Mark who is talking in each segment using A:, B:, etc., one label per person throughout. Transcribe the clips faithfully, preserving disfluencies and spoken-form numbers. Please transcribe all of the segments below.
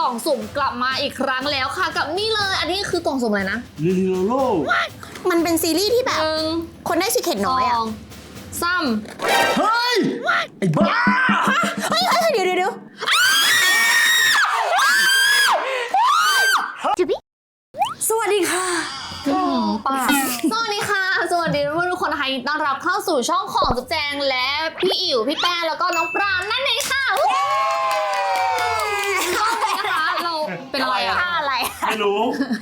A: ล่องสุ่มกลับมาอีกครั้งแล้วค่ะกับนี่เลยอันนี้คือกล่องสุ่มอะไรนะ
B: ลิลิโลโล
C: มันเป็นซีรีส์ที่แบบ
A: หนึ่ง
C: คนได้ซีเคร็ตน้อยอ่ะ
A: สองสาม
B: เฮ้ยไอ้บ้า
C: เฮ้ยเฮ้ยเดี๋ยวเดี๋ยวเดี๋ยวสวัสดีค่ะ
A: ป่าสวัสดีค่ะสวัสดีทุกคนนะคะต้อนรับเข้าสู่ช่องของจุ๊บแจงและพี่อิ๋วพี่แป้งแล้วก็น้องปราณนั่นเองค่ะช่องนี้นะคะเราเป็นอะไรอะ
C: ท่าอะไร
B: ไม่รู้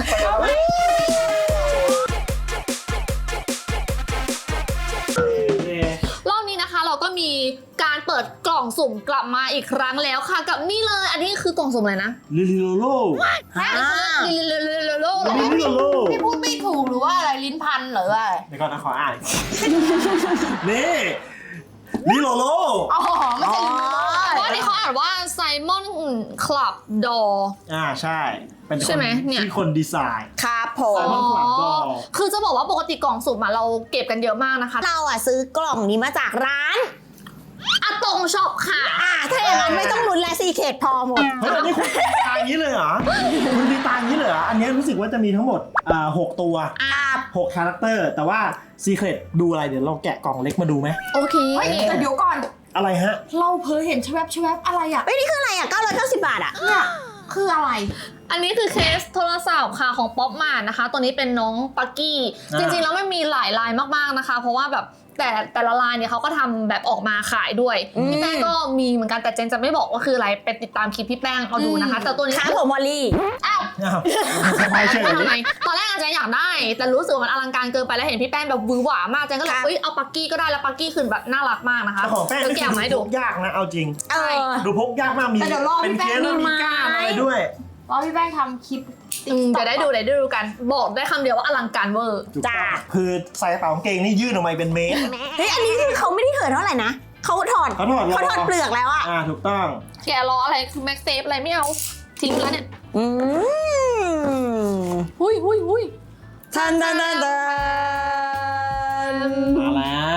A: รอบนี้นะคะเราก็มีการเปิดกล่องสุ่มกลับมาอีกครั้งแล้วค่ะกับนี่เลยอันนี้คือกล่องสุ่มอะไรนะ
B: ลิลิโลโล
A: ลิลิลิลิลิลิ
B: ลิลิโลโล
D: พี่พูดไม่ถูกหรือว่าอะไรลิ้นพันหรือว่าอะไร
B: เดี๋ยวก่อนนะขออ่านนี่ลิโลโล
D: อ๋อไม่ใช่ลิ้นพัน
A: เพราะอันนี้เขาอ่านว่าไซมอนคลับดอ
B: อ่าใช่เป็นคน
A: ใช่ไหมเนี่ย
B: ที่คนดีไซน์
C: ครับผ
B: ไซ
C: ม
B: มอน คลับดอ
A: คือจะบอกว่าปกติกล่องสุ่มอะเราเก็บกันเยอะมากนะคะ
C: เราอ่ะซื้อกล่องนี้มาจากร้าน
A: อะตงช็อปค่ะ
C: อ่ะถ้าอย่างนั้นไม่ต้องลุ้นและซีเคร็ตพอหมด
B: เฮ้ยอันนี้คุณตีตางนี้เลยเหรอคุณตีตางนี้เลยเหรออันนี้รู้สึกว่าจะมีทั้งหมดอ่าหกตัว
C: ครับ
B: หกคาแรคเตอร์แต่ว่าซีเครตดูอะไรเดี๋ยวเราแกะกล่องเล็กมาดูไหม
A: โอเค
D: เฮ้ยแต่เดี๋ยวก่อน
B: อะไรฮะ
D: เราเพ้อเห็นชแวบชแวบอะไรอ่ะ
C: เฮ้ยนี่คืออะไรอ่ะเก้าร้อยเก้าสิบบาทอ่ะ
D: เนี่ยคืออะไร
A: อันนี้คือเคสโทรศัพท์ค่ะของป๊อปมาร์ทนะคะ ตัวนี้เป็นน้องปักกี้
B: อ่า
A: จริงๆแล้วมันมีหลายลายมากๆนะคะ เพราะว่าแบบแต่แต่ละลายเนี่ยเขาก็ทำแบบออกมาขายด้วย
C: อืม
A: พี่แป้งก็มีเหมือนกันแต่เจนจะไม่บอกว่าคืออะไรไปติดตามคลิปพี่แป้งเอาดูนะคะ แต่ตัวนี้
C: ครับผมวอลลี่
A: อ้าว
B: อ้าวสบายเฉย
A: ทำไมตอนแรกอาจจะอยากได้ แต่รู้สึกว่ามันอลังการเกินไปแล้วเห็นพี่แป้งแบบวือหวามากเจนก็เลย
C: ครับ
A: เอ้ยเอาปักกี้ก็ได้แล้วปักกี้คือแบบน่ารักมากนะคะ
B: แต่ของแป้ง
A: เดี๋ยว
B: นี่
A: แกะ
B: คือ
A: มาให้
B: ดู
A: ดู
B: พกยากนะเอาจริง
C: เออ
B: ดูพกยากมากมี
D: แต่เดี๋ยวรอ
B: เป็น
D: พี่
B: เค
D: แป้ง
B: สแล้วมีก้านอะไรด้วย
D: รอพี่แป้งทำคลิป
A: อืมเดี๋ยวได้ดูเดี๋ยวได้ดูกัน บอกได้คำเดียวว่าอลังการเวอร์
B: ถูก
C: จ้า
B: ต้องคือใส่กระเป๋ากางเกงนี่ยื่นออกมาเป็นเมตร
C: เฮ้ยอันนี้คือเขาไม่ได้เหินเท่าไหร่นะเขาถอด
B: เขาถอด
C: เขาถอดเปลือกแล้วอ่ะ
B: อ่าถูกต้อง
A: แกรออะไรคือแม็กเซฟอะไรไม่เอาทิ้งแล้วเนี่ย
C: อืม
A: หุยหุยหุย
C: ทันทันทันทัน
B: มาแล้ว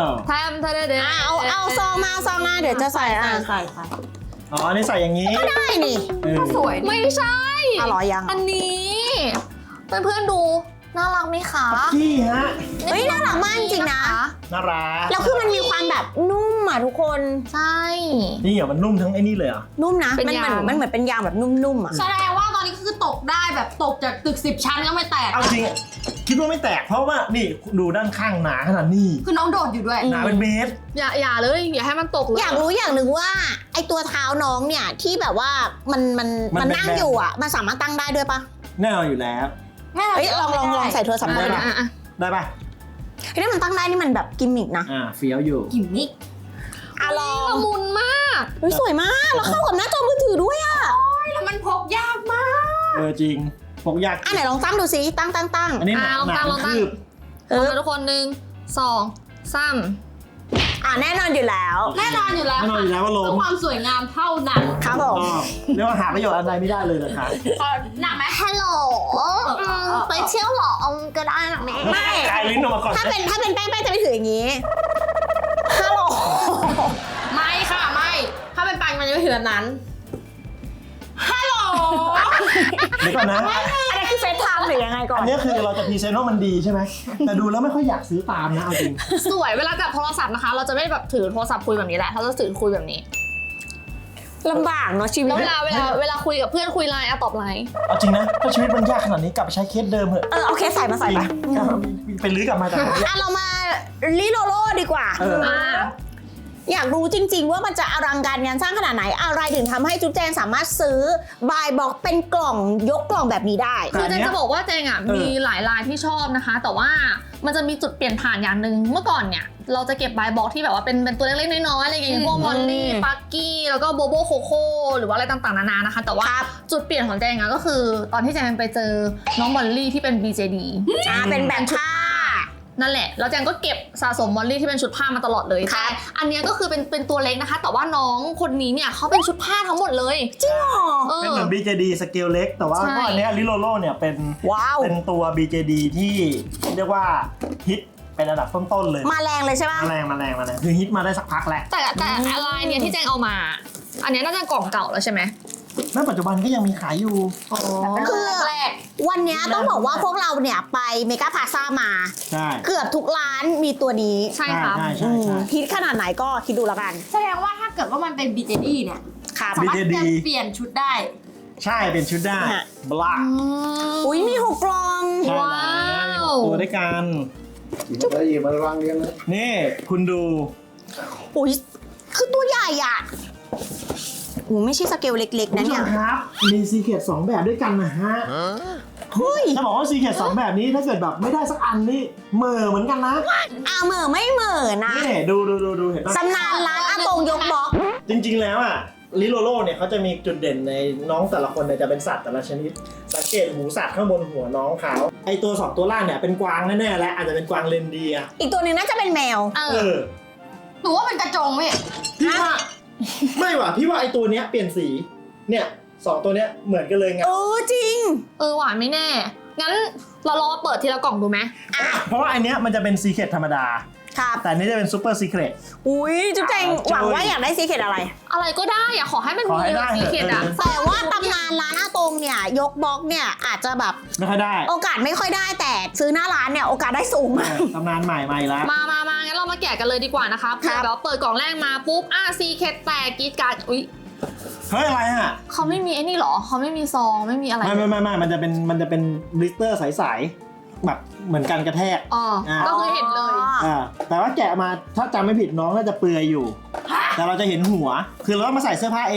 A: แทมทะเลเด
C: อ่ะเอาเอาซองมาซองมาเดี๋ยวจะใส่อ่ะ
D: ใส่ใส่
B: อ๋ออันนี้ใส่อย่างนี้
C: ได้นี่
B: เออ
D: สวย
A: ไม่ใช่
C: อร่อยยัง
A: อันนี้เพื่อนเพื่อนๆดูน่ารักไหมคะ
B: จี้ฮะ
C: เฮ้ยน่ารักมากจริงๆนะ
B: น่ารัก
C: แล้วคือมันมีความแบบนุ่มอ่ะทุกคน
A: ใช่
B: นี่เหรอมันนุ่มทั้งไอ้นี่เลยเหรอ
C: นุ่มนะ
A: เป็น
C: มันเหมือน
A: ยาง
C: มันเหมือนเป็นยางแบบนุ่มๆอ่ะ
D: แสดงว่าตอนนี้คือตกได้แบบตกจากตึกสิบชั้นก็ไม่แตก
B: เอาจริงอะคิดว่าไม่แตกเพราะว่านี่ดูด้านข้างหนาขนาดนี้
D: คือน้องโดดอยู่ด้วย
B: หนาเป็นเมตร
A: อย่าอย่าเลยอย่าให้มันตกเลย
C: อยากรู้อย่างหนึ่งว่าไอตัวเท้าน้องเนี่ยที่แบบว่ามันมัน
B: มัน
C: มัน
B: เป็น
C: นั่ง
B: แบบ
C: อยู่อ่ะมันสามารถตั้งได้ด้วยปะ
B: แน่นอนอยู่แล้ว
D: แม่
C: เฮ้ยลองลองลองใส่โทรศัพท์
A: อ่ะ
C: ดู
A: อ่ะ
C: นะ
A: อ่ะอ่ะ
B: ได้ป่ะ
C: เฮ้ยถ้ามันตั้งได้นี่มันแบบกิมมิกนะ
B: อ่าเฟี้ยวอยู่
D: กิมมิก
C: อ่ะลอง
A: ละมุนมาก
C: เฮ้ยสวยมากแล้วเข้ากับหน้าจอมือถือด้วยอ่ะ
D: แล้วมันพกยากมาก
B: เออจริงพกยาก
C: อ่ะไหนลองตั้งดูสิตั้งตั้งตั้ง
B: อันนี้หนา
A: อ่ะลอง
B: หนา
A: ตั้งล
B: เป็
A: อง
B: น
A: ตั้ง
B: คืบ
C: เออ
A: เอาทุกคนหนึ่งสองสาม
C: อ่ะแน่นอนอยู่แล้ว
D: แน่นอนอยู่แล้ว
B: แน่นอนอยู่แล้วว่าล
D: เพื่
B: ม
D: อความสวยงามเท่านั้น
C: ครับผม
B: ก็เรียกว่าหาประโยชน์อะไรไม่ได้เลยนะคะ
D: หนักไหม
A: ฮัลโหลไปเที่ยวหรอเอาก็ได้นะแม่
C: ไม่
B: กายลิ้นออกมาก่อน
C: ถ้าเป็นถ้าเป็นแป้งแป้งจะไม่ถืออย่างนี้ฮัลโหล
D: ไม่ค่ะไม่ ถ้าเป็นปังมันจะไม่ถึงแบบนั้นฮัลโหล
B: เดี๋ยวก่อนนะ
C: อันนี้คือเฟซไทม์หรือยังไงก่อ
B: อั
C: น
B: นนี้คือเราจะพรีเซนต์ว่ามันดีใช่ไหมแต่ดูแล้วไม่ค่อยอยากซื้อตามนะเอาจริง
A: สวยเวลาจับโทรศัพท์นะคะ เราจะไม่แบบถือโทรศัพท์คุยแบบนี้แหละเราจะถือคุยแบบนี้
C: ลำบากเนาะชีวิต
A: แล้วเวลาเวลาเวลาคุยกับเพื่อนคุยไลน์อะตอบไลน์
B: เอาจริงนะถ้าชีวิตมันยากขนาดนี้กลับไปใช้เคสเดิมเถอะ
C: เออเอาเคสใส่มาใส่
B: จริง
C: ปะ
B: ไปลื้อกลับมาจากไหน
C: อ่ะเรามาลิโลโลดีกว่า
B: เออ
A: อ่า
C: อยากรู้จริง ๆ ว่ามันจะอลังการงานสร้างขนาดไหนอะไรถึงทำให้จุ๊บแจงสามารถซื้อบายบ็อกเป็นกล่องยกกล่องแบบนี้ได้
A: คือเจนจะบอกว่าเจงอ่ะมีหลายลายที่ชอบนะคะ แต่ว่ามันจะมีจุดเปลี่ยนผ่านอย่างหนึ่งเมื่อก่อนเนี่ยเราจะเก็บบายบ็อกที่แบบว่าเป็นเป็นตัวเล็กๆน้อยๆอะไรอย่างเงี้ยพวกมอลลี่ปักกี้แล้วก็โบโบโคโค่หรือว่าอะไรต่างๆนานานะคะ แต่ว่า
C: ครับ
A: จุดเปลี่ยนของเจงอ่ะก็คือ ตอนที่เจงไปเจอน้องมอลลี่ที่เป็น บี เจ ดี
C: อ่าเป็นแบบผ้า
A: นั่นแหละแล้วแจงก็เก็บสะสมมอลลี่ที่เป็นชุดผ้ามาตลอดเลย
C: ครั
A: แต่
C: บ
A: อันเนี้ยก็คือเป็นเป็นตัวเล็กนะคะ แต่ว่าน้องคนนี้เนี่ยเขาเป็นชุดผ้าทั้งหมดเลย
C: จริงเหรอ
A: เอ
B: เป็น
A: อ
B: เหมือน บี เจ ดี สเกลเล็ก แต่ว่า
A: ใช่
B: ก็อันเนี้ลิโลโลเนี่ยเป็น
C: ว้าว
B: เป็นตัว บี เจ ดี ที่เรียกว่าฮิตเป็นระดับต้นๆเลย
C: มาแรงเลยใช่ปะ
B: มาแรงมาแรงมาแรงคือฮิตมาได้สักพักแล้ว
A: แต่แต่อะไรเนี่ยที่แจงเอามา อันเนี้ยน่าจะกล่องเก่าแล้วใช่ไหม
B: ณปัจจุบันก็ยังมีขายอยู่
A: อ๋อ
C: คือ
D: แรก
C: วันเนี้ยต้องบอกว่าพวกเราเนี่ยไปเมกาพลาซ่ามา
B: ใช่
C: เกือบทุกร้านมีตัวนี้
A: ใช่ครับ
B: ใช่
C: อื
B: ใช่
C: ม
B: ใช่
C: ฮิตขนาดไหนก็คิดดูแล้วกัน
D: แสดงว่าถ้าเกิดว่ามันเป็น บี เจ ดี เนี่ย
C: ครับ
D: สามารถ
B: บี เจ ดี
D: เปลี่ยนชุดได้
B: ใช่เป็นชุดได้
C: ฮะ
B: บลัก
C: อุ้ยมีหกกล่อง
B: ใช่
A: ว้าว
B: ตัวด้วยกัน
E: Chỉ có gì mà loan điên nữa.
B: นี่คุณดู
C: อุ้ยคือตัวใหญ่อ่ะโอ้ไม่ใช่สเกลเล็กๆ
B: คุณ
C: นะ
B: ผู้ช
C: เนี่ย
B: มครับ มีซีเคทสองแบบด้วยกันนะฮะ
C: เฮ้ย
B: จะบอกว่าซีเคทสองแบบนี้ถ้าเกิดแบบไม่ได้สักอันนี่เหม่อเหมือนกันนะ
C: อาเหม่อไม่เหม่อนะ
B: นี่ดูดูดูดูเห็นปะ
C: ตำนานร้านอาตงยกบล็อก
B: จริง ๆ แล้วอ่ะลิโลโลเนี่ยเขาจะมีจุดเด่นในน้องแต่ละคนเนี่ยจะเป็นสัตว์แต่ละชนิด สังเกตหูสัตว์ข้างบนหัวน้องเขาไอตัวสองตัวล่างเนี่ยเป็นกวางแน่ๆและอาจจะเป็นกวางเรนเดียร์
C: อีกตัวหนึ่งน่าจะเป็นแมว
A: เอ
B: เอ
A: อ
B: อ
D: หนูว่าเป็นกระจงพี่
B: พี่ว่า ไม่ว่ะพี่ว่าไอตัวเนี้ยเปลี่ยนสีเนี่ยสองตัวเนี้ยเหมือนกันเลยไง
C: เออจริง
A: เออหวานไม่แน่ งั้นเราลองมาเปิดทีละกล่องดูไหม
B: เพราะว่าอันเนี้ยมันจะเป็นซีเคทธรรมดา
C: ครับ
B: แต่อันนี้จะเป็นซูเปอร์ซีเคท
C: อุ้ยจุ๊บแจง
B: อ่า
C: หวังว่าอยากได้ซีเคทอะไร
A: อะไรก็ได้อะขอให้มัน
B: ขอ
A: มี
B: ให้ได้
A: สีเขียดอะ
B: เถอะ
C: แต่ว่าตำนานร้านอาตงเนี่ย ยกบล็อกเนี่ยอาจจะแบบ
B: ไม่ค่อยได้
C: โอกาสไม่ค่อยได้แต่ซื้อหน้าร้านเนี่ยโอกาสได้สูง
B: เอ
C: มาก
B: อตำนานใหม่ใหม่ละ
A: มามามางั้นเรามาแกะกันเลยดีกว่านะคะเผื่อแบบว่าเปิดกล่องแรกมาปุ๊บอ่ะซีเคทแตกกรีดการ์ดอุ๊ย
B: เฮ้ยอะไรอ่ะ
A: เขาไม่มีไอ้นี่หรอเขาไม่มีซองไม่มีอะไร
B: ไม่ไม่ไม่ไม่มันจะเป็นมันจะเป็นบลิสเตอร์ใสๆแบบเหมือนกันกระแทก
A: อ๋อก็คือเห็นเลย
B: อ่าแต่ว่าแกะมาถ้าจำไม่ผิดน้องน่าจะเปลือยอยู่ แต่เราจะเห็นหัว คือเราต้องมาใส่เสื้อผ้าเอง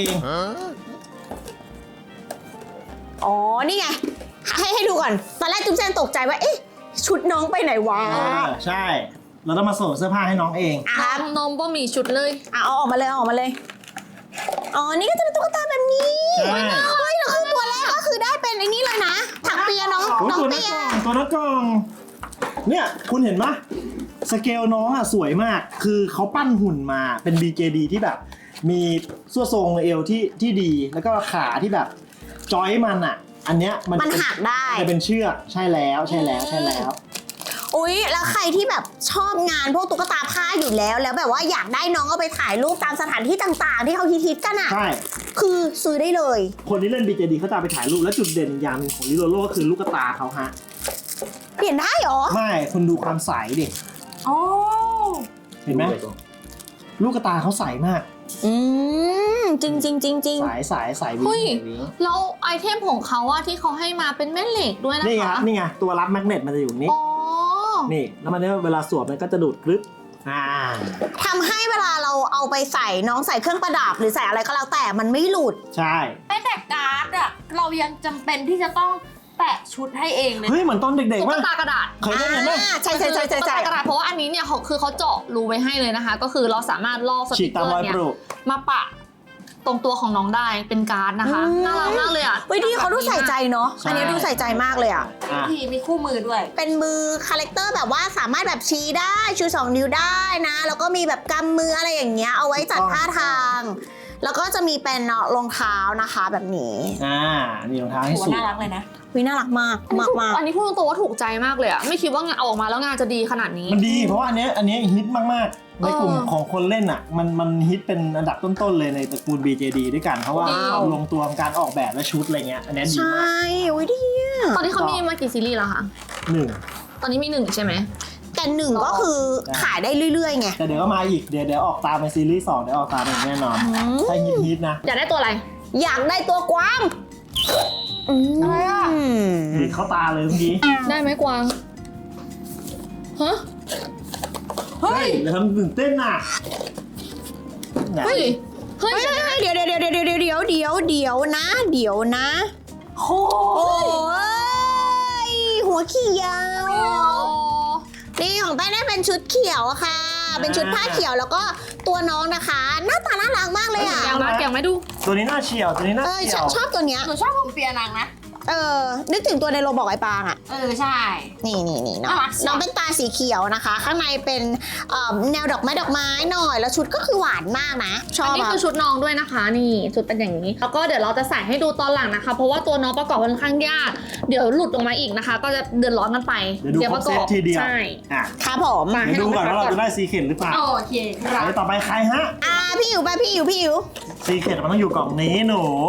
C: อ๋อ นี่ไง ให้ให้ดูก่อน ตอนแรกจุ๊บแจงตกใจว่า เอ๊ะ ชุดน้องไปไหนวะ
B: อ่าใช่ เราต้องมาสวมเสื้อผ้าให้น้องเอง
C: อ่ะ
A: น
C: ครับ
A: มนมบ่มีชุดเลย
C: อ่ะเอาออกมาเลยเอาออกมาเลย อ๋อ นี่ก็จะเป็นตุ๊กตาแบบนี้
B: ใช่
C: เฮ้ยแล้วคือตัวแรกก็คือได้เป็นไอ้นี่เลยนะ ถักเปียน้อง
B: โอ้ย
C: น้อง
B: ตัวนัก
C: เปีย
B: กล่องตัวนักกล่อง เนี่ยคุณเห็นปะสเกลน้องอ่ะสวยมาก คือเขาปั้นหุ่นมาเป็น บี เจ ดี ที่แบบ มีส่วนทรงเอวที่ที่ดี แล้วก็ขาที่แบบจอยมันอ่ะ อันเนี้ยมัน
C: มัน
B: จะ
C: หักได้
B: จะเป็นเชือกใช่แล้วใช่แล้วใช่แล้ว
C: อุ๊ย แล้วใครที่แบบชอบงานพวกตุ๊กตาผ้าอยู่แล้ว แล้วแบบว่าอยากได้น้องเอาไปถ่ายรูปตามสถานที่ต่างๆ ที่เขาฮิตๆกันอ่ะ
B: ใช่
C: คือซื้อได้เลย
B: คนที่เล่น บี เจ ดี เขาจะเอาไปถ่ายรูปแล้วจุดเด่นอีกอย่างหนึ่งของลิโลโลก็คือลูกตาเขาฮะ
C: เปลี่ยนได้เหรอ
B: ไม่คุณดูความใสดิ
D: โอ้
B: เห็นไหม
E: Đúng rồi con.
B: ลูกตาเขาใสมาก
C: อืม จริงจริงจริงจริง
B: ใสใสใสวิง
A: เฮ้ย
B: วิง
A: แล้วไอเทมของเขาอะที่เขาให้มาเป็นแม่เหล็กด้วยนะ
B: นี่ไงค
A: คะ
B: รับนี่ไงตัวรับแมกเนตมันจะอยู่นี้
A: อ๋อ
B: นี่ แล้วมันเนี่ยเวลาสวมมันก็จะดูดกรึ๊บอ่า
C: ทำให้เวลาเราเอาไปใส่น้องใส่เครื่องประดับ หรือใส่อะไรก็แล้วแต่มันไม่หลุด
B: ใช่
D: แม้แต่การ์ดอะเรายังจำเป็นที่จะต้องแปะชุดให้เองเลย
B: เฮ้ยเหมือนตอนเด็ก
A: ตุ๊
B: ๆ
A: ก
B: ว่า
A: ตากระดาษ
B: เคยเล่นไหม
C: อ่าใช่ใช่ใช่ใช่
A: ตุ๊ก
C: ใช่
A: ตากระดาษเพราะว่าอันนี้เนี่ยเขาคือเขาเจาะรูไว้ให้เลยนะคะ ก็คือเราสามารถลอกส
B: ฉี
A: ติ
B: ก
A: กเก
B: ตา
A: อ
B: มรอย
A: ร์เนี่
B: ป
A: ย
B: ลูก
A: มาปะตรงตัวของน้องได้เป็นการ์ดนะคะน่ารักมากเลยอะ
C: เฮ้ยดีเขาดูใส่ใจเนาะ
B: ใช่
C: อันนี้ดูใส่ใจมากเลยอ่ะ
B: อ่ะ
D: ทีมีคู่มือด้วย
C: เป็นมือคาแรคเตอร์แบบว่าสามารถแบบชี้ได้ชูสองนิ้วได้นะ แล้วก็มีแบบกำมืออะไรอย่างเงี้ยเอาไว้จัดท่าทาง แล้วก็จะมีเป็นรองเท้านะคะแบบนี้
B: อ่านี่รองเท้าให้
D: หัว
B: สูง
D: น่ารักเลยนะ
C: วิน่ารักมาก
A: อันนี้
C: มาก
A: ถูก
C: มาก
A: อันนี้พูดตรงๆว่าถูกใจมากเลยอะไม่คิดว่างานเอาออกมาแล้วงานจะดีขนาดนี้
B: มันดีเพราะว่าอันเนี้ยอันเนี้ยฮิตมากๆ ในกลุ่ม
A: เออ
B: ของคนเล่นอ่ะ มันมันฮิตเป็นอันดับต้นๆเลยในตระกูล บี เจ ดี ด้วยกัน เพราะว่า
A: ว้าว
B: ลงตัวการออกแบบและชุดอะไรเงี้ยอันเนี้ยดี
C: ใช
B: มาก่
C: อุ้ยดีอะ
A: ตอนนี้เขามีมากี่ซีรีส์แล้วคะ
B: หนึ่ง
A: ตอนนี้มีหนึ่งใช่ไหม
C: แต่หนึ่งก็คือขายได้เรื่อยๆไง
B: แต่เดี๋ยวก็มาอีกเดี๋ยวเดี๋ยวออกตามในซีรีส์สองเดี๋ยวออกตามอีกแน่นอน
C: อืม
B: ถ้าฮิตฮิตๆนะ
A: อยากได้ตัวอะไร
C: อยากได้ตัวกวางอะไรอ่ะ
B: ดีเข้าตาเลยเมื่อกี้
A: ได้ไหมกวางฮะ
B: เฮ้ยเดี๋ยวทำตื่นเต้นน่ะเนี่ย
A: เฮ้ยเฮ้ย
C: เฮ้ยเฮ้ยเฮ้ยเดี๋ยวเดี๋ยวเดี๋ยวเดี๋ยวเดี๋ยวเดี๋ยวเดี๋ยวเดี๋ยวนะ เดี๋ยวนะ
D: โอ้
C: โอ้ยหัวเขียว
A: โอ้
C: นี่ของแป้งได้เป็นชุดเขียวอะค่ะ เป็นชุดผ้าเขียวแล้วก็ตัวน้องนะคะ หน้าตาน่ารักมากเลยอ่ะ
A: แกงมาแกงไม่ดู
B: ตัวนี้น่าเฉียวตัวนี้น่า
C: เออ
B: เฉี
C: ช
B: ย
C: อบ
B: ว
C: ชอบตัวเนี้ย
D: หนูชอบผมเปียนางนะ
C: เออนึกถึงตัวในโรบอกไอปางอ่ะ
D: เออ ใช่
C: นี่นี่นี่น้อง
D: น่ารักจัง
C: น้องเป็นตาสีเขียวนะคะ ข้างในเป็นเอ่อแนวดอกไม้ดอกไม้หน่อย แล้วชุดก็คือหวานมากนะ ชอ
A: อัน
C: บ
A: นี้
C: อะ
A: คือชุดน้องด้วยนะคะ นี่ชุดเป็นอย่างนี้ แล้วก็เดี๋ยวเราจะใส่ให้ดูตอนหลังนะคะ เพราะว่าตัวน้องประกอบค่อนข้างยาก เดี๋ยวหลุดออกมาอีกนะคะ ก็จะเดือดร้อนกันไป
B: เดี๋ยวดูครบเซตทีเดียว
A: ใช่
B: อ่ะ
C: ครับผม
A: มา
B: เดี๋ยวดูก่อนว่าเราจะได้ซีเค็ดหรือเปล่า
D: โอเคครับ
B: เดี๋ยวต่อไปใครฮะ
C: อ่าพี่อิ๋วไปพี่อิ๋วพี่อิ๋ว
B: ซีเค็ดมันต้องอยู่กล่องนี้หนู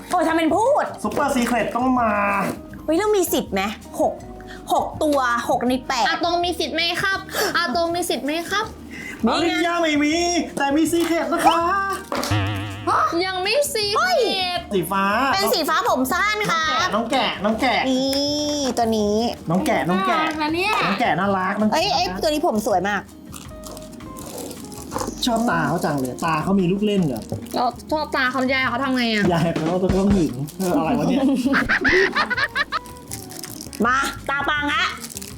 C: โอ้ยทำเป็นพูด
B: ซุปเปอร์ซีเครตต้องมา
C: เฮ้ยเรามีสิทธิ์ไหมหกหกตัวหกในแปด
A: อาตรงมีสิทธิ์ไหมครับอาตรงมีสิทธิ์ไหมครับ
B: อริยาไม่มี แต่มีซีเครตนะคะ
A: ยังไม่ซีเค็ด
B: สีฟ้า
C: เป็นสีฟ้าผมสั้นค่ะ
B: น้องแกะน้องแกะ
C: นี่ตัวนี้
B: น้องแกะน้องแกะ
D: นะเนี่ย
B: น้องแกะน่ารักน้อง
C: เอ้ย
B: แกะ
C: เอ้ยตัวนี้ผมสวยมาก
B: ชอบตาเขาจังเลยตาเขามีลูกเล่นเหรอ
A: เราชอบตาเขาแย่เขาทำไงอ่ะ
B: ยายเขาต้องต้องหึงเอออะไรวะเนี่ย
C: มาตาปังฮะ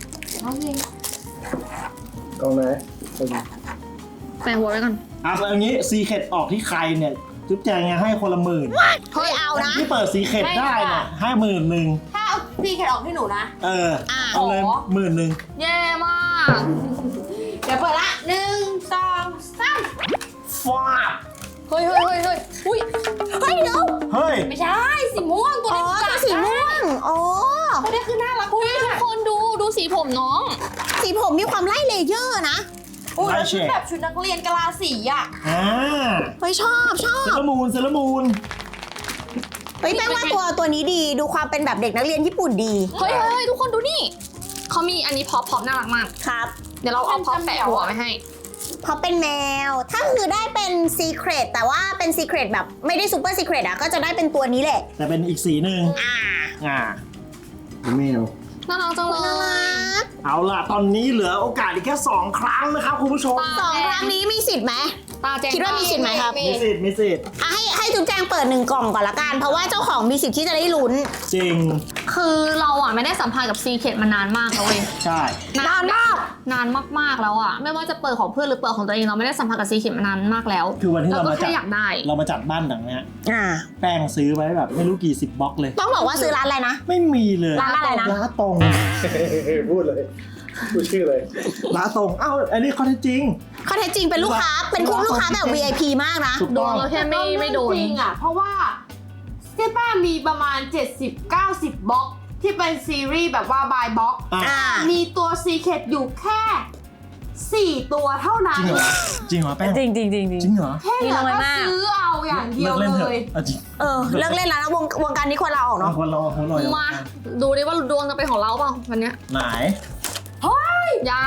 E: กองไหน
A: แปะหัวไว้ก่อน
B: อ่ะแล้วอย่างนี้ซีเครตออกที่ใครเนี่ยจุ๊บแจงให้คนละหมื่น
C: เฮ้ยเอานะ
B: ที่เปิดซีเครตได้เนี่ยให้หมื่นหนึ่ง
D: ถ้าเอาซีเคทออกให้หนูนะ
B: เออ
C: อ่ะ
B: เอาเลยหมื่นหนึ่ง
A: แย่มาก
D: เดี๋ยวเปิดละหนึ่งสองสาม
B: ฟาด
A: เฮ้ยเฮ้ยเฮ้ยเฮ้ยอุ้ย
C: เฮ้ยเดี๋ยว
B: เฮ้ย
D: ไม่ใช่สีม่วงตัว
C: อ๋อ
D: นี้
C: ตัวสีม่วงอ๋อ
D: ตัวนี้คือน่ารัก
A: อุ้ย
D: มา
A: ทุก
D: ก
A: คนดูดูสีผมน้อง
C: สีผมมีความไล่เลเยอร์นะ
D: โอ้ยแล้วชุดแบบชุดนักเรียนกะลาสีอ่ะ
B: อ่า
C: เฮ้ยชอบชอ
B: เซ
C: บ
B: รามูนเซรามูน
C: เฮ้ยแป้งว่าตัวตัวนี้ดีดูความเป็นแบบเด็กนักเรียนญี่ปุ่นดี
A: เฮ้ยเฮ้ยเฮ้ยทุกคนดูนี่เขามีอันนี้พอปพอปน่ารักมาก
C: ครับ
A: เดี๋ยวเราเอาพอปแปะหัวไว้ให้
C: เพราะเป็นแมว ถ้าคือได้เป็นซีเครตแต่ว่าเป็นซีเครตแบบไม่ได้ซูเปอร์ซีเครตอ่ะก็จะได้เป็นตัวนี้แหละ
B: แต่เป็นอีกสีหนึ่ง
C: อ่า
B: อ่า
E: แมว
A: น่ารักจังเลย
C: น่ารัก
B: เอาล่ะ ตอนนี้เหลือโอกาสอีกแค่สองครั้งนะครับคุณผู้ชม
C: สองครั้งนี้มีสิทธิ์ไหม
A: ตาแจง
C: คิดว่ามีสิทธิ์ไหมครับ
B: มีสิทธิ์มีสิทธิ์
C: อ่ะให้ให้จุ๊บแจงเปิดหนึ่งกล่องก่อนละกัน เพราะว่าเจ้าของมีสิทธิ์ที่จะได้ลุ้น
B: จริง
A: คือเราอ่ะไม่ได้สัมพันธ์กับซีเคทมานานมากแล้วเว้ย
B: ใช่
C: นานมาก
A: นานมากๆแล้วอ่ะไม่ว่าจะเปิดของเพื่อนหรือเปิดของตัวเองเราไม่ได้สัมพันธ์กับซีเคทมานานมากแล้ว
B: คือวันที่
A: เรา
B: เรา
A: ก็
B: มาจั
A: แค่
B: ด
A: อยากได้
B: เรามาจัดบ้านหลังเนี้ย
C: อ่า
B: แป้งซื้อไว้แบบไม่รู้กี่สิบบล็อกเลย
C: ต้องบอกว่าซื้อร้านอะไรนะ
B: ไม่มีเลย
C: ร้านอะไรนะ
B: ร้านตรง
E: พูดเลย พูดชื่อเลย
B: ร้านตรงเอ้าอันนี้ข้อเท็จจริง
C: ข้อเท็จจริงเป็นลูกค้า เป็นคู่ลูกค้าแบบ วี ไอ พี มากนะ
B: ถูก
A: โด
B: ต้อน ง
A: เราแค่ไม่ไม่โดน
D: จริงอ่ะ เพราะว่าเจ๊ป้ามีประมาณ เจ็ดสิบเก้าสิบบล็อก ที่เป็นซีรีส์แบบว่าบายบล็อก
B: อ่ะ
C: อ่า
D: มีตัวซีเคทอยู่แค่สี่ตัวเท่านั้
B: จ
D: น
B: ริงเหรอจริงเหรอแป้ง
C: จริงจริงจริง
B: จริงเหรอ
D: แค่เหลือ
C: น้อย
D: ก็
C: มาก
D: ซื้อเอาอย่างเดียว
B: เล่น
D: เล
B: เถอะ
D: ย
B: เอาจริง
C: เออ เลิกเล่นแล้วนะวงวงการนี้ควรลาออก
B: เอา
C: เนาะ
B: คนเราคนเรา
A: มาดูดิว่าดวงจะเป็นของเราเปล่าวันเนี้ย
B: ไหน
A: ยัง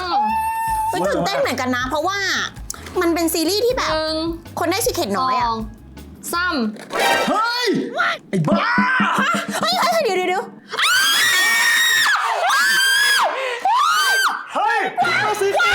C: ไปตื่นเต้นเหมือนกันนะ เพราะว่ามันเป็นซีรีส์ที่แบ
A: ห
C: บ
A: นึ่ง
C: คนได้ซีเครต
A: ส
C: น้
A: อ
C: อยอ่ะ
A: งสาม
B: เฮ้ย ไอ้บ้า
C: เฮ้ยเฮ้ยเฮ้ยเดี๋ยวเดี๋ยวเดี๋ยว
B: เฮ้ยมาซื้อข้าว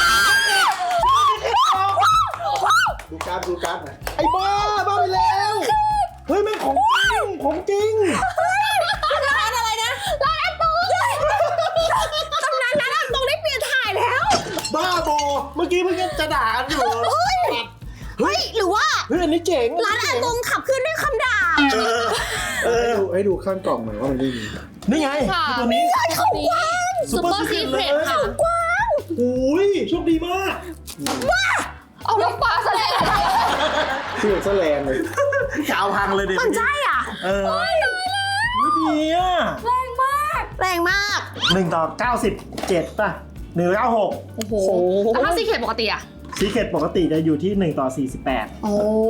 E: ดูการ์ดดูการ์ดหน่อย
B: ไอ้บ้า บ้าไปแล้ว เฮ้ยแม่งของจริง ของจริง
C: ร้านอะไรนะร้านอาตูตำนานร้านอาตูได้เปลี่ยนถ่ายแล้ว
B: บ้าบอ เมื่อกี้เพิ่งจะด่ากันอยู่
C: เฮ้ย เฮ้ย หรือว่า
B: เฮ้ยอันนี้เจ๋ง
C: ร้านอาตูขับขึ้นด้วยคำด่า
B: เออเออ
E: ให้ดูให้ดูข้างกล่องหน่อยว่ามันไม่มี
B: นี่ไง
A: ค่ะ
B: ตัวนี้
C: เขากว้าง
A: ซูเปอร์ซีเครตค่ะ
C: กว้าง
B: โอ้ยโชคดีมาก
A: เอาลูกปลาแสดง
E: ชื่อซะแรงเลย
B: กาวพังเลยเด็ก
C: มันใช่อ่ะ
B: เออโอ้ยดีอ่ะ
C: แรงมาก
B: หนึ่งต่อเก้าสิบเจ็ดป่ะหนึ่งเก้าหก
A: โอ้โหแต่ถ้าซีเคทปกติอ่ะ
B: ซีเครตปกติจะอยู่ที่หนึ่งต่อสี่สิบแปด
C: โอ้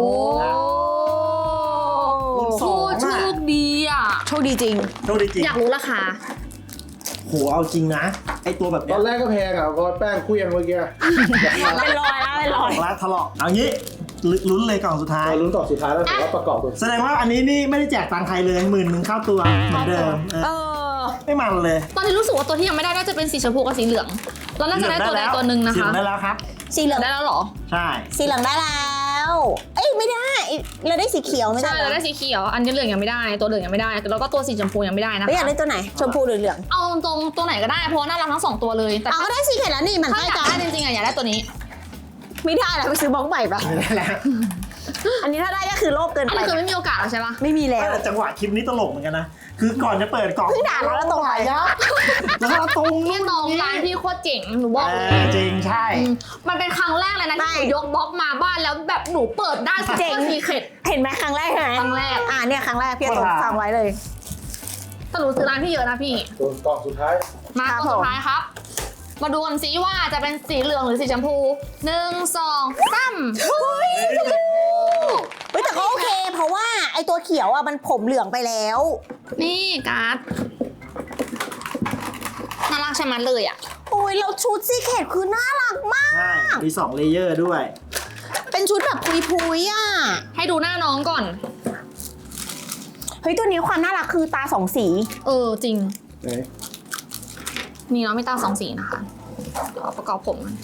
A: โคตรโชคดีอ่ะ
C: โชคดีจริง
B: โชคดีจริง
A: อยากรู้ราคา
B: โหเอาจริงนะ ไอตัวแบบ
E: ต
B: เนี้
E: อย นแรกก็แพงอ่ะพอแป้งคุยยังเมื่อกี้
C: เป็นรอยแล้วเป็นรอย
B: ร้านถลอกเอางี้ลุ้นเลยกล่องสุดท้าย
E: เราลุ้นต่อสุดท้ายแล้วแต่ว่าประกอบตัว
B: แสดงว่าอันนี้นี่ไม่ได้แจกตังค์ใครเลยหมื่นหนึ่งเข้าตัวเหมือนเดิมเอ
C: เอ
B: อ
C: อ
B: ไม่มันเลย
A: ตอนนี้รู้สึกว่าตัวที่ยังไม่ได้น่าจะเป็นสีชมพูกับสีเหลือง เราน่าจะได้ตัวใดตัวหนึ่งนะ
B: สีเหลื
A: คะ
B: องได้แล้วครับ
C: สีเหลือง
A: ได้แล้วเหรอ
B: ใช่
C: สีเหลืองได้แล้ว เอ้ยไม่ได้ เราได้สีเขียวไม่ได้
A: ใช่เราได้สีเขียว อันนี้เหลืองยังไม่ได้ ตัวเหลืองยังไม่ได้ แล้วก็ตัวสีชมพูยังไม่ได้นะ
C: ไม่อยาก
A: คะ
C: ได้ตัวไหน ชมพูหรือเหลือง
A: เอาตรงๆตัวไหนก็ได้ เพราะว่าน่ารักทั้งสองตัวเลย แต่
C: เอาก็ได้สีเขียวแล้วนี่มัน
A: ถ้า
C: ใกล้
A: อยาก
C: กัน
A: ได้จริงๆอะอยากได้ตัวนี้
C: ไม่ได้แล้วไปซื้อบล็อกใหม่ปะ
B: ไม่ได้แล้ว
C: อันนี้ถ้าได้ก็คือโลกเกิน
A: อัน
C: ไป
A: นี้คือไม่มีโอกาสแล้วใช่ปะ
C: ไม่มีแล้ว
B: แต่จังหวะคลิปนี้ตลกเหมือนกันนะ คือก่อนจะเปิดกล่อง
C: เพิ่งด่าเราแล้วตรงไหน
B: ยับแล้วก็ตรง
A: พี่ตองร้านพี่โคตรเจ๋ง หนูบอก
B: เอ
A: เลย
B: อจริงใช่
A: อืมมันเป็นครั้งแรกเลยนะที่หนูยกบล็อกมาบ้านแล้วแบบหนูเปิดได้ซุป
C: เจ๋
A: เปอง ร์ซีเครต
C: เห็นไหมครั้งแรกใช่ไหม
A: ครั้งแรก
C: อ่าเนี่ยครั้งแรกพี่ต้องฟังไว้เลย
A: แต่หนูซื้อร้านพี่เยอะนะพี่
E: ตัวกล่องสุดท้าย
A: มา
C: ครับ
A: ตัวสุ
C: ผม
A: ดท้ายครับ มาดูกันสิว่าจะเป็นสีเหลืองหรือสีชมพูหนึ่งสองสาม
C: เฮ้ยแต่แต่ก็โอเค เพราะว่าไอตัวเขียวอ่ะมันผมเหลืองไปแล้ว
A: นี่การ์ดน่ารักใช่ไหมเลยอ่ะ
C: โอ้ยแล้วชุดซีเคทคือน่ารักมาก
B: ใช่มีสองเลเยอร์ด้วย
C: เป็นชุดแบบพุยๆอ่ะ
A: ให้ดูหน้าน้องก่อน
C: เฮ้ยตัวนี้ความน่ารักคือตาสองสี
A: เออจริง
E: ไหน
A: นี่เนาะมีตาสองสีนะคะเดี๋ยวเอาประกอบผมกัน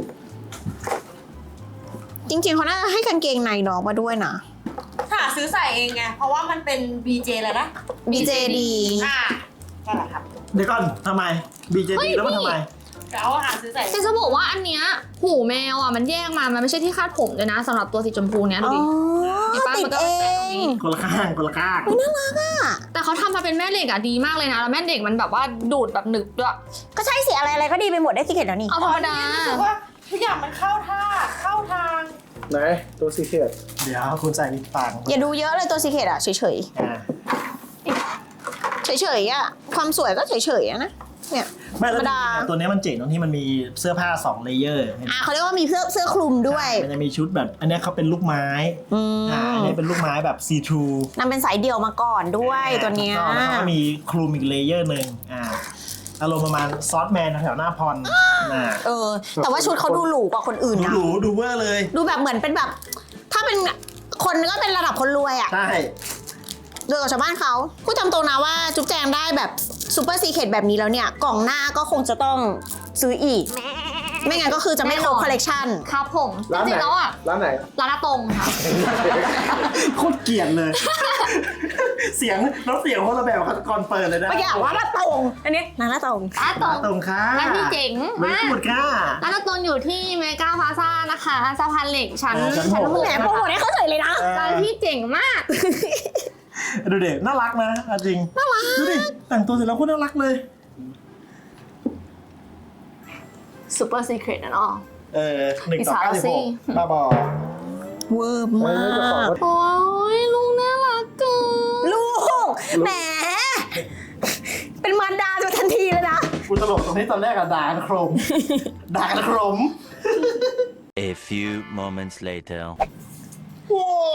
C: จริงๆเขาน่าจะให้กางเกงในน้องมาด้วยนะ
D: หาซื้อใส่เองไง เพราะว่ามันเป็น บี เจ แล้วนะ
C: บี เจ ดี
D: อ่านั่นแหละครับ
B: เดี๋ยวก่อนทำไม บี เจ ดี แล้วมันทำไม
D: เราหาซื้อใส่
A: แต่จะบอกว่าอันเนี้ยหูแมวอ่ะมันแยกมา มันไม่ใช่ที่คาดผมเลยนะสำหรับตัวสีชมพูเนี้ยดู
C: อ๋อ
A: ดิ เห็นปะ
C: ติด
A: มันก็
C: เอ
A: แปะตรง
C: ง
A: นี้
B: คนละข้างคนละข้าง
A: แต่เขาทำมาเป็นแม่เหล็กอ่ะดีมากเลยนะแล้วแม่เหล็กมันแบบว่าดูดแบบหนึบด้วย
C: ก็ใช่สิอะไรอะไรก็ดีไปหมดได้ซีเคทแล้วนี่
A: เอาธรรมดา
D: รู้สึกว่าทุกอย่างมันเข้าท่า เข้าทาง
E: ไหนตัวซีเคท
B: เดี๋ยวคุณใส่ลิปปัง
C: อย่าดูเยอะเลยตัวซีเคทอะเฉย
B: อ่า
C: ๆ เฉยๆอะความสวยก็เฉยๆอะนะ เนี่ย
B: ไม่แล้ว
C: ธรรมดา
B: ตัวนี้มันเจ๋งตรงที่มันมีเสื้อผ้าสองเลเยอร์
C: อ่ะเขาเรียกว่ามีเสื้อเสื้อคลุมด้วย
B: มันจะมีชุดแบบ อันเนี้ยเขาเป็นลูกไม้
C: อืม
B: อ่าอันนี้เป็นลูกไม้แบบซีทรู
C: นำเป็นสายเดี่ยวมาก่อนด้วยตัวเนี้ย
B: แล้วก็มีคลุมอีกเลเยอร์หนึ่งอ่าอารมณ์ประมาณซอสแมนแถวหน้าพรอ่า
C: เออ แต่ว่าชุดเขาดูหรูกว่าคนอื่น
B: ดู
C: นะ
B: หรูดูเวอร์เลย
C: ดูแบบเหมือนเป็นแบบ ถ้าเป็นคนก็เป็นระดับคนรวยอะ
B: ใช่
C: รวยกว่าชาวบ้านเขาพูดตามตรงนะว่าจุ๊บแจงได้แบบซูเปอร์ซีเคทแบบนี้แล้วเนี่ย กล่องหน้าก็คงจะต้องซื้ออีก ไม่งั้นก็คือจะไม่ครบ
A: แน่นอน
C: คอลเลกชัน
A: ครับผมจ
E: ร้านไห
A: ริ
E: น
A: งๆแล้วอ่ะ
E: ร้านไหน
A: ร้านอาตรงค่ะ
B: โคตรเกลียดเลย เสียงน้ำเสียงคนละแบบก่อนเปิดเลยนะ
C: เมื่อกี้ว่าละตรงอันนี้นางละตรง
A: ร้านอาตรง
B: ตรงค่ะ
A: ร้านที่เจ๋ง
B: ไม่
A: มาก
B: พูดค่ะ
A: ร้านอาตรงอยู่ที่เมกาพลาซ่านะคะสะพานเหล็กชั้น
B: อ่าชั้นหก
A: หก
C: แหมโปรโมทให้เขาเฉยเลยนะ
A: ร้านที่เจ๋งมาก
B: ดูเด็กน่ารักนะเอาจริง น่ารัก ดูดิ แต่งตัวเสร็จแล้วโคตรน่ารักเลย
A: ซูเปอร์ซีเครตนะเนาะ
B: เออหนึ่งต่อ
A: อิสระ
B: เก้าสิบ
A: สิ
B: หกบ้าบอ
C: เวอร์
E: เฮ้
C: มาย
E: เจ้าของ
C: ก
E: ก็
A: โอ้ยลุงน่ารักเกิน
C: ลูกแหม เป็นมารดาจะทันทีเลยนะ
B: กูตลกตรงนี้ตอนแรกอะด่ากันโครม ด่ากันโครม
F: A few moments later.
B: ว้าว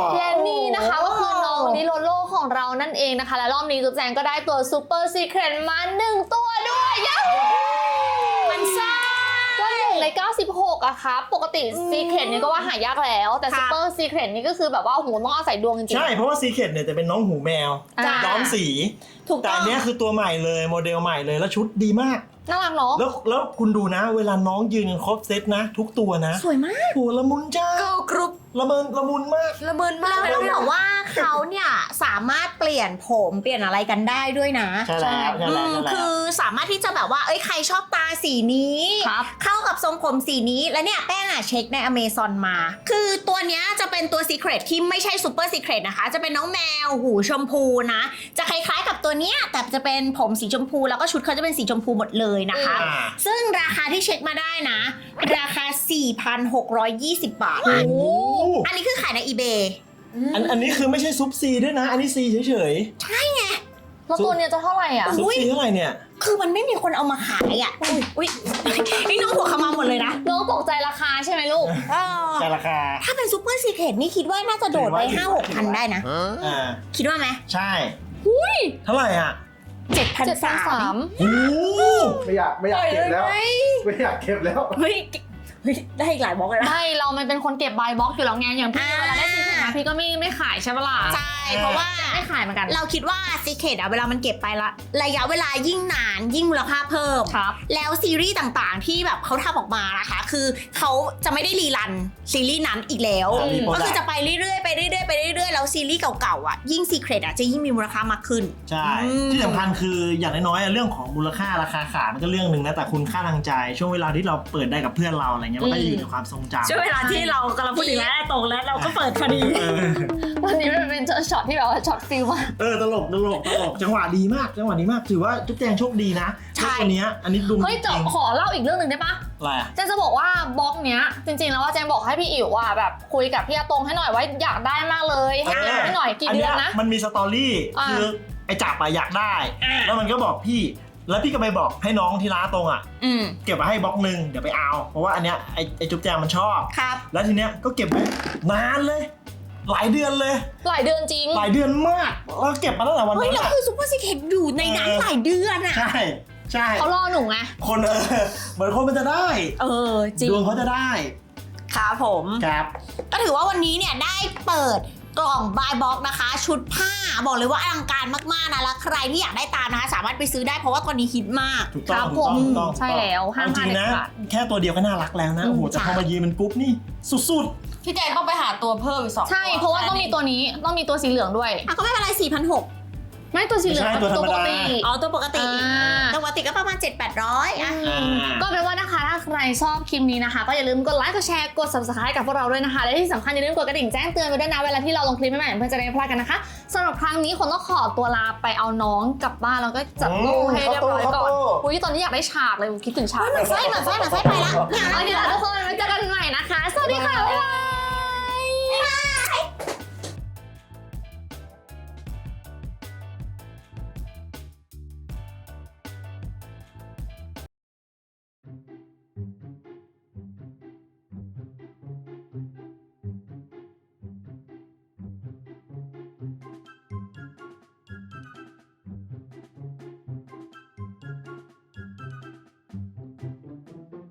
A: และนี่นะคะก็คือน้องดิโลโลของเรานั่นเองนะคะ และรอบนี้จุ๊บแจงก็ได้ตัวซูเปอร์ซีเครตมาหนึ่งตัวด้วยย้ามันซ่าก็หนึ่งในเก้าสิบหกอะครับปกติซีเครตนี่ก็ว่าหายากแล้ว แต่
C: ค่ะ
A: ซูเปอร์ซีเครตนี่ก็คือแบบว่าโอ้โหต้องอาศัยดวงจริงๆ
B: ใช่ เพราะว่าซีเคทเนี่ยจะเป็นน้องหูแมว
A: จ้ะ
B: ย้อมสี
C: ถูก
B: แต่
C: ต้อ
B: อั
C: ง
B: นเนี้ยคือตัวใหม่เลยโมเดลใหม่เลยแล้วชุดดีมาก
A: น่ารักเนาะ
B: แล้วแล้วคุณดูนะ เวลาน้องยืนกันครบเซตนะ ทุกตัวนะ
C: สวยมาก
B: โหละมุนจ้า
C: เกิร์ลกรุ๊ป
B: ละเมินละมุนมาก
C: ละเมินมากแล้วต้องบอกว่าเขาเนี่ยสามารถเปลี่ยนผมเปลี่ยนอะไรกันได้ด้วยนะ
B: ใช่แล้วใช่แล้ว
C: อืม
B: ใช่แล้ว
C: คือสามารถที่จะแบบว่า เอ้ยใครชอบตาสีนี้
A: ครับ
C: เข้ากับทรงผมสีนี้ แล้วเนี่ยแป้งอ่ะเช็คในอเมซอนมา คือตัวเนี้ยจะเป็นตัวซีเครตที่ไม่ใช่ซูเปอร์ซีเครตนะคะ จะเป็นน้องแมวหูชมพูนะ จะคล้ายๆกับตัวเนี้ยแต่จะเป็นผมสีชมพูแล้วก็ชุดเขาจะเป็นสีชมพูหมดเลยนะคะ
B: อ่า
C: ซึ่งราคาที่เช็คมาได้นะ ราคา สี่พันหกร้อยยี่สิบ บาท
B: โอ้โห
C: อันนี้คือขายใน eBay
B: อันอันนี้คือไม่ใช่ซุปซีด้วยนะ อันนี้ซีเฉย
A: แล้วตัวเนี้ยจะเท่าไหร่อ่ะ
B: ๆซุปซีเท่าไหร่เนี่ย
C: คือมันไม่มีคนเอามาขายอ่ะ อุ้ยอุ้ยนี่น้องหัวขมาหมดเลยนะ
A: น้องตกใจราคาใช่ไหมลูก
C: เออ
B: แต่ราคา
C: ถ้าเป็นซูเปอร์ซีเครตนี่คิดว่าน่าจะโดดไป ห้าหกพันได้นะ
B: อ่า
C: คิดว่าไหม
B: ใช่เท่าไหร่อ่ะ
C: เจ็ดพัน
A: เจ็ดพัน
C: สา
A: สาม ม
B: โอ้โห
E: ไม่อยากไม่อยากเก็บแล้ว ไม่อยากเก็บแล้ว
C: เฮ้ยเฮ้ย ได้อีกหลายบล็อกเลยนะ
A: ไม่เรามันเป็นคนเก็บบายบ็อกอยู่แล้วไงอย่างพี่
C: อ่า
A: เวลาได้ซีเครตมาพี่ก็ไม่ไม่ขายใช่ปะล่ะ
C: ใช่ เพราะว่า
A: ไม่ขายเหมือนกัน
C: เราคิดว่าซีเครตอะเวลามันเก็บไปละระยะเวลายิ่งนานยิ่งมูลค่าเพิ่ม
A: ครับ
C: แล้วซีรีส์ต่างๆที่แบบเขาทำออกมานะคะ คือเขาจะไม่ได้รีรันซีรีส์นั้นอีกแล้ว
B: อ่ามีโปรดักต์
C: ก็คือจะไปเรื่อยๆไปเรื่อยๆไปเรื่อยๆแล้วซีรีส์เก่าๆอ่ะยิ่งซีเครตอ่ะจะยิ่งมีมูลค่ามากขึ้น
B: ใช่
C: อืม
B: ที่สำคัญคืออย่างน้อยๆอะเรื่องของมูลค่าราคาขายมันก็เรื่องหนึ่งนะแต่คุณค่าทางใจ ช่วงเวลาที่เราเปิดได้กับเพื่อนเราอะไรเงี้ยมันก็จะอยู่ในความทรงจำ
C: ช่วงเวลาที่เรากำลังพูดถึงแล้วตรงแล้วเราก็เปิดพอดี
B: เออ
A: วันนี้มันเป็นช็อตที่แบบว่าช็อตฟิลมาก
B: เออตลกตลกตลกจังหวะดีมากจังหวะดีมากถือว่าจุ๊บแจงโชคดีนะ
C: ใช่
B: ตัวเนี้ยอันนี้ดู
A: เฮ้ย
B: จ
A: จะ
B: ริง
A: ขอเล่าอีกเรื่องหนึ่งได้ปะ
B: อะไรอะ
A: เจนจะบอกว่าบล็อกเนี้ยจริงๆแล้วว่าเจนบอกให้พี่อิ๋วว่าแบบคุยกับพี่อาตงให้หน่อยว่าอยากได้มากเลยให้เก็บให้หน่อยกี่เดือนนะ
B: มันมีสตอรี่
A: อ่า
B: คือไอ้จับอะอยากได้
C: อ่า
B: แล้วมันก็บอกพี่แล้วพี่ก็ไปบอกให้น้องที่ร้านตรงอะ
C: อืม
B: เก็บไว้ให้บล็อกหนึ่งเดี๋ยวไปเอาเพราะว่าอันเนี้ยไอ้ไอ้จุ๊บแจงมันชอบ
C: ครับ
B: แล้วทีเนี้ยก็เก็บไว้นานเลยหลายเดือนเลย
A: หลายเดือนจริง
B: หลายเดือนมากแล้วเก็บมาตั้งแต่วัน
C: เฮ้ย
B: นั้น
C: แล้ว
B: อะ
C: คือซูเปอร์ซีเครตอยู่ในนั้นหลายเดือนอ่ะ
B: ใช่ใช่
A: เขารอหนูไง
B: คนเออเหมือนคนมันจะได้
C: เออจริง
B: ดวงเขาจะได้
C: ครับผม
B: ครับ
C: ก็ถือว่าวันนี้เนี่ยได้เปิดกล่องบายบ็อกนะคะ ชุดผ้าบอกเลยว่าอลังการมากๆนะแล้วใครที่อยากได้ตามนะคะสามารถไปซื้อได้เพราะว่าตอนนี้ฮิตมาก
B: ถูกต้อง
A: ครับ
B: ถูกต้อง
A: ผม
B: ถูกต้อง
A: ใช่แล้วห้าม
B: เอจริง
A: พลาด
B: นะ
A: เด็ดขาด
B: แค่ตัวเดียวก็น่ารักแล้วนะ โอ้โห
C: อืม
B: แต่พอมายีนเป็นปุ๊บนี่สุด
D: พี่แจงต้องไปหาตัวเพิ่มอีกสอง
A: ใช่ เพราะว่าต้องมีตัวนี้ต้องมีตัวสีเหลืองด้วย
C: อ่ะก็ไม่เป็นไรสี่พันหก
A: ไม่ตัวสีเหลือง
B: ไม่ใช่ตัวธรรมดา
A: ปกติ
C: อ๋อตัวปกติ
A: อ่า
C: ตัวปกติก็ประมาณ เจ็ดแปดร้อยอ่ะ
B: อ่า
A: ก็เป็นว่านะคะถ้าใครชอบคลิปนี้นะคะ ก็อย่าลืมกดไลค์กดแชร์กด subscribe กับพวกเราด้วยนะคะและที่สำคัญอย่าลืมกดกระดิ่งแจ้งเตือนไว้ด้วยนะเวลาที่เราลงคลิปใหม่ๆเพื่อจะได้ไม่พลาดกันนะคะสำหรับครั้งนี้คนต้องขอตัวลาไปเอาน้องกลับบ้านแล้วก็จัดลูกให้เรียบร้อยก่อนอุ้ยตอนนี้อยากได้ฉากเลยคิดถึงฉาก
C: เหมือนไส้เหมือนไส้เหมือนไส้ไปละ
A: โอเคแล้วทุกคนไว้เจอกันใหม่นะคะ สวัสดีค่ะบ๊ายบาย
C: บ๊ายบาย